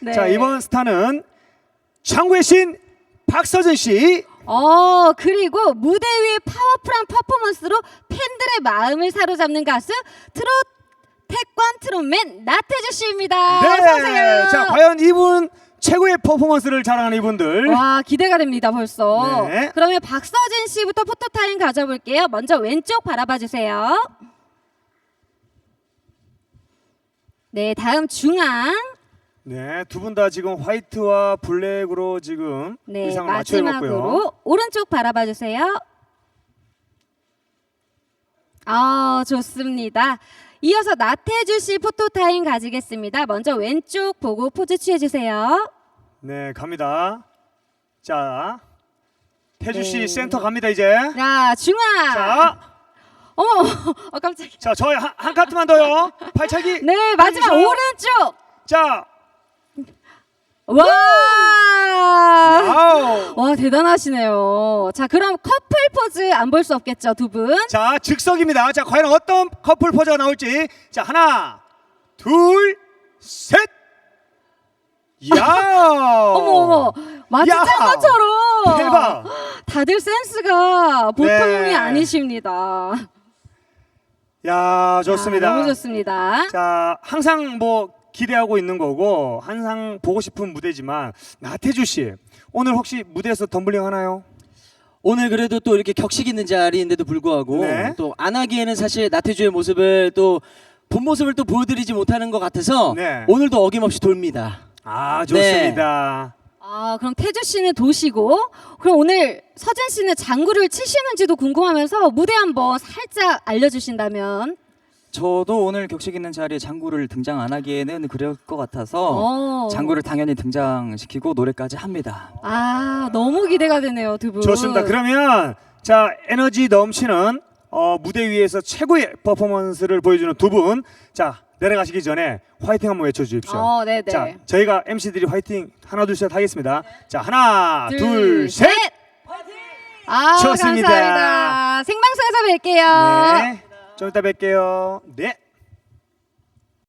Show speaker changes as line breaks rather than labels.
네.
자, 이번 스타는 장구의 신 박서준 씨.
그리고 무대 위의 파워풀한 퍼포먼스로 팬들의 마음을 사로잡는 가수 트롯 태권 트롯맨 나태주 씨입니다.
네.
어서 오세요.
자, 과연 이분 최고의 퍼포먼스를 자랑하는 이분들.
와, 기대가 됩니다 벌써.
네.
그러면 박서진 씨부터 포토타임 가져볼게요. 먼저 왼쪽 바라봐 주세요. 네, 다음 중앙.
네, 두 분 다 지금 화이트와 블랙으로 지금
네,
의상을 맞춰 입었고요.
마지막으로 오른쪽 바라봐 주세요. 좋습니다. 이어서 나태주 씨 포토타임 가지겠습니다. 먼저 왼쪽 보고 포즈 취해 주세요.
네, 갑니다. 자, 태주 씨
네.
센터 갑니다 이제.
자, 중앙.
자,
어머, 깜짝이야.
자, 저희 한 카트만 더요. 발차기.
네, 마지막
해주세요.
오른쪽.
자,
와!
와우.
와, 대단하시네요. 자, 그럼 커플 포즈 안 볼 수 없겠죠, 두 분?
자, 즉석입니다. 자, 과연 어떤 커플 포즈가 나올지. 자, 하나, 둘, 셋. 야.
어머, 마치
야.
짠 것처럼.
대박.
다들 센스가 보통이
네.
아니십니다.
야, 좋습니다.
너무 좋습니다.
자, 항상 뭐 기대하고 있는 거고 항상 보고 싶은 무대지만 나태주 씨 오늘 혹시 무대에서 덤블링 하나요?
오늘 그래도 또 이렇게 격식 있는 자리인데도 불구하고
네.
또 안 하기에는 사실 나태주의 모습을 또 본 모습을 또 보여드리지 못하는 것 같아서
네.
오늘도 어김없이 돌립니다.
아, 좋습니다.
그럼 태주 씨는 도시고, 그럼 오늘 서진 씨는 장구를 치시는지도 궁금하면서 무대 한번 살짝 알려주신다면.
저도 오늘 격식 있는 자리에 장구를 등장 안 하기에는 그럴 것 같아서 장구를 당연히 등장시키고 노래까지 합니다.
너무 기대가 되네요, 두 분.
좋습니다. 그러면 자, 에너지 넘치는 무대 위에서 최고의 퍼포먼스를 보여주는 두 분, 자, 내려가시기 전에 화이팅 한번 외쳐주십시오.
네네.
자, 저희가 MC들이 화이팅 하나 둘 셋 하겠습니다. 자, 하나 둘 셋.
좋습니다.
좋습니다.
감사합니다. 생방송에서 뵐게요.
네, 좀 이따 뵐게요. 네.